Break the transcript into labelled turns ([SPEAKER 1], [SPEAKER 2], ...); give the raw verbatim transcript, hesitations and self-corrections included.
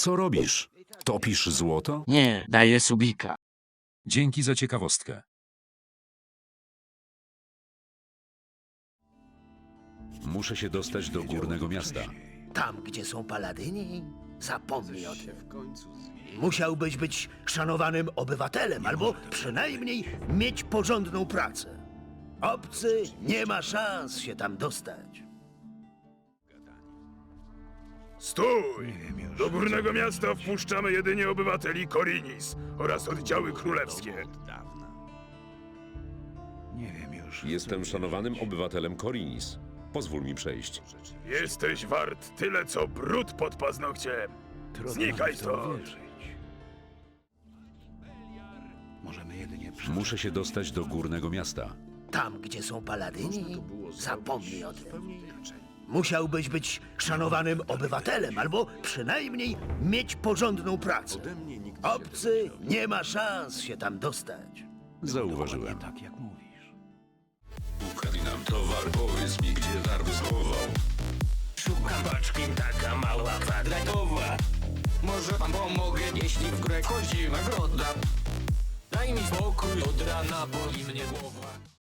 [SPEAKER 1] Co robisz? Topisz złoto?
[SPEAKER 2] Nie, daję subika.
[SPEAKER 3] Dzięki za ciekawostkę.
[SPEAKER 1] Muszę się dostać do górnego miasta.
[SPEAKER 4] Tam, gdzie są paladyni, zapomnij o tym. Musiałbyś być szanowanym obywatelem, albo przynajmniej mieć porządną pracę. Obcy nie ma szans się tam dostać.
[SPEAKER 5] Stój! Do górnego miasta wpuszczamy jedynie obywateli Korinis oraz oddziały królewskie.
[SPEAKER 6] Jestem szanowanym obywatelem Korinis. Pozwól mi przejść.
[SPEAKER 5] Jesteś wart tyle, co brud pod paznokciem. Znikaj stąd!
[SPEAKER 1] Muszę się dostać do górnego miasta.
[SPEAKER 4] Tam, gdzie są paladyni, zapomnij o tym. Musiałbyś być szanowanym obywatelem, albo przynajmniej mieć porządną pracę. Obcy nie ma szans się tam dostać.
[SPEAKER 1] Zauważyłem.
[SPEAKER 7] Ukradł nam towar, powiedz mi, gdzie darby schował. Szukam paczki, taka mała kwadratowa. Może pan pomogę, jeśli w grę chodzi nagroda. Daj mi spokój, od rana boli mnie głowa.